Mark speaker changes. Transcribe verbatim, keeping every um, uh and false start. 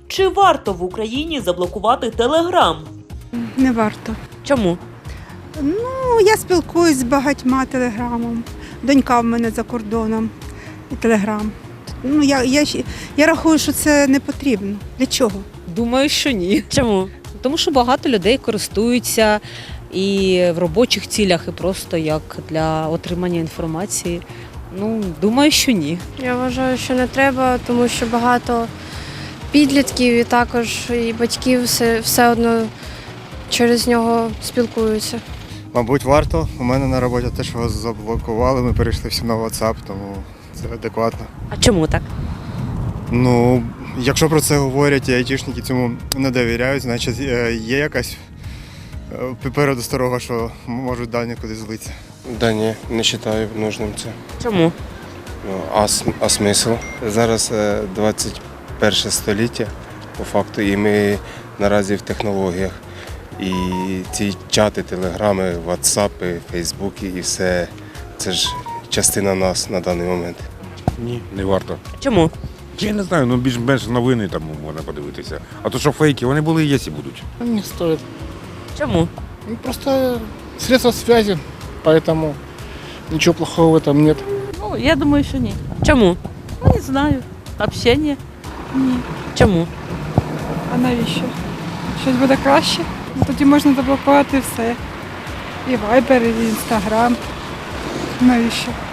Speaker 1: Чи варто в Україні заблокувати Телеграм?
Speaker 2: Не варто.
Speaker 1: Чому?
Speaker 2: Ну, я спілкуюсь з багатьма телеграмом. Донька в мене за кордоном і телеграм. Ну, я, я, щ- я рахую, що це не потрібно. Для чого?
Speaker 3: Думаю, що ні.
Speaker 1: Чому?
Speaker 3: Тому що багато людей користуються і в робочих цілях, і просто як для отримання інформації. Ну, думаю, що ні.
Speaker 4: Я вважаю, що не треба, тому що багато підлітків і також і батьків все, все одно через нього спілкуються.
Speaker 5: Мабуть, варто. У мене на роботі теж його заблокували, ми перейшли всі на WhatsApp, тому це адекватно.
Speaker 1: А чому так?
Speaker 5: Ну, якщо про це говорять і айтішники цьому не довіряють, значить е, є якась е, попереду старого, що можуть дані кудись злитися.
Speaker 6: Да ні, не вважаю нужним це.
Speaker 1: Чому?
Speaker 6: Ну, а, см- а смисл? Зараз е, двадцять перше століття, по факту, і ми наразі в технологіях. І ці чати, телеграми, ватсапи, фейсбуки і все, це ж частина нас на даний момент.
Speaker 7: Ні, не варто.
Speaker 1: Чому?
Speaker 7: Я не знаю, ну більш-менш новини там можна подивитися. А то що фейки, вони були і є, і будуть.
Speaker 8: Не стоит.
Speaker 1: Чому?
Speaker 8: Ну, просто средства связи, поэтому ничего плохого в этом нет.
Speaker 9: Ну, я думаю, що ні.
Speaker 1: Чому?
Speaker 9: Ну, не знаю. Общення. Ні.
Speaker 1: Чому?
Speaker 2: А навіщо? Щось буде краще? Тоді можна заблокувати все. І вайбер, і інстаграм. Навіщо?